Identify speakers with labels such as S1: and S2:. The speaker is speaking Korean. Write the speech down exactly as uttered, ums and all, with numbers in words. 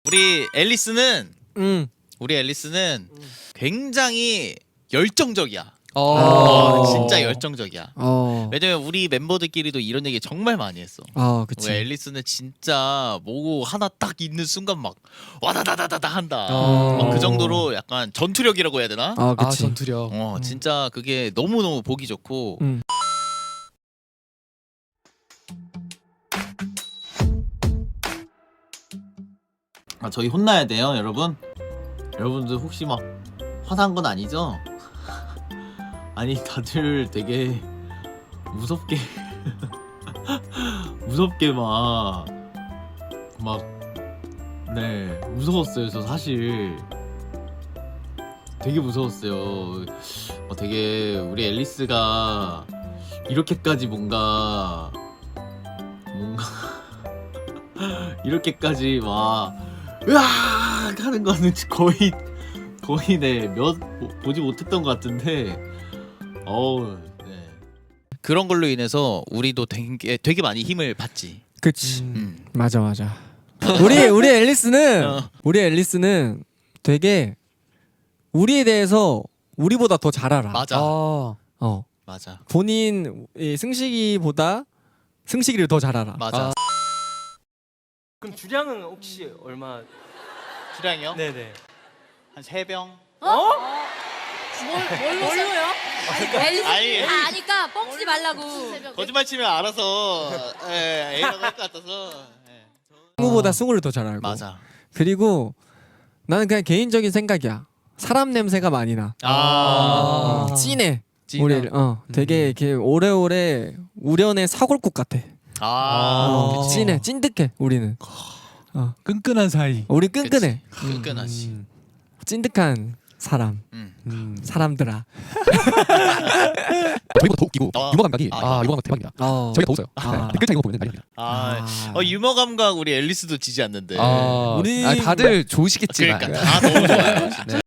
S1: 우리 앨리스는
S2: 음.
S1: 우리 앨리스는 굉장히 열정적이야.
S2: 어.
S1: 어, 진짜 열정적이야.
S2: 어.
S1: 왜냐면 우리 멤버들끼리도 이런 얘기 정말 많이 했어.
S2: 아,
S1: 우리
S2: 그치.
S1: 앨리스는 진짜 뭐고 하나 딱 있는 순간 막 와다다다다다 한다.
S2: 어.
S1: 막 그 정도로 약간 전투력이라고 해야 되나?
S2: 아,
S3: 아
S2: 그치.
S3: 전투력.
S1: 어 진짜 그게 너무 너무 보기 좋고.
S2: 음.
S1: 아 저희 혼나야 돼요, 여러분. 여러분들 혹시 막 화난 건 아니죠? 아니 다들 되게 무섭게 무섭게 막 막 네 무서웠어요. 저 사실 되게 무서웠어요. 어, 되게 우리 앨리스가 이렇게까지 뭔가 뭔가 이렇게까지 막 으악 하는 거는 거의 거의 네몇 보지 못했던 것 같은데 어우 네. 그런 걸로 인해서 우리도 되게 되게 많이 힘을 받지.
S2: 그치.
S1: 음.
S2: 맞아, 맞아. 우리 우리 앨리스는
S1: 어.
S2: 우리 앨리스는 되게 우리에 대해서 우리보다 더 잘 알아.
S1: 맞아
S3: 아.
S2: 어.
S1: 맞아
S2: 본인 이 승식이보다 승식이를 더 잘 알아.
S1: 맞아.
S3: 아.
S4: 그럼 주량은 혹시 얼마?
S1: 주량이요?
S4: 네네.
S1: 한 세 병.
S5: 뭘, 뭘로요? 앨리스
S1: 아니.
S5: 다 아니까 뻥치지 말라고.
S1: 거짓말 치면 알아서 예, A라고 할 것 같아서. 예.
S2: 승우보다 승우를 더 잘 알고.
S1: 맞아.
S2: 그리고 나는 그냥 개인적인 생각이야. 사람 냄새가 많이 나.
S1: 아.
S2: 어, 진해.
S1: 진해.
S2: 우리 어 되게 이렇게 오래오래 우련의 사골국 같아.
S1: 아.
S2: 어,
S1: 그치.
S2: 진해, 찐득해. 우리는. 어,
S3: 끈끈한 사이.
S2: 우리 끈끈해.
S1: 끈끈하지.
S3: 음.
S2: 찐득한 사람.
S1: 음.
S3: 음.
S2: 사람들아.
S3: 저희보다 더 웃기고
S1: 어.
S3: 유머 감각이
S1: 아,
S3: 아, 유머 감각 대박이야.
S2: 어.
S3: 저희가 더 웃어요.
S2: 아.
S3: 네. 댓글 창 이거 보면 난리 납니다.
S1: 아.
S2: 아.
S1: 어 유머 감각 우리 앨리스도 지지 않는데.
S3: 아,
S2: 우리
S3: 아, 다들 좋으시겠지만.
S1: 그러니까 다 너무 좋아요. 진짜.